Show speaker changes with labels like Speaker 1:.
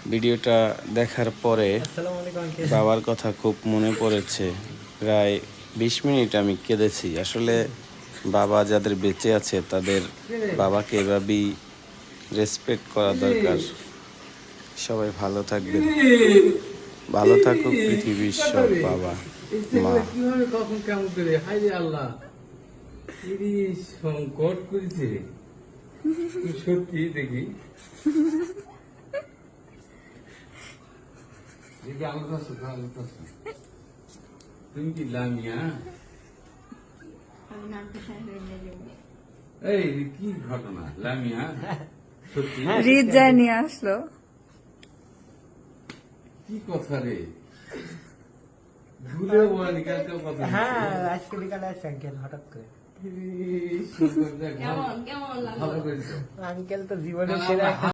Speaker 1: ভিডিওটা দেখার পরে বাবার কথা খুব মনে পড়েছে। প্রায় 20 মিনিট আমি কেঁদেছি। আসলে বাবা যাদের বেঁচে আছে তাদের বাবাকে এভাবেই রেসপেক্ট করা দরকার। সবাই ভালো থাকবেন, ভালো থাকুক পৃথিবীর সব বাবা মা।
Speaker 2: কিভাবে কখন কেমন করে হাই রে আল্লাহ সংকট করেছে সত্যি দেখি দেখি আলো কাছে তুমি কি লামিয়া এই কি ঘটনা লামিয়া সত্যি
Speaker 3: রিত যায় নিয়ে আসলো।
Speaker 2: কি কথা রে ভুলেও বলেনি কালকে কথা
Speaker 4: হ্যাঁ আজকে বিকালে আসছে আঙ্কেল হঠাৎ করে।
Speaker 2: ভালো করেছো
Speaker 4: আঙ্কেল তো জীবনের সেরা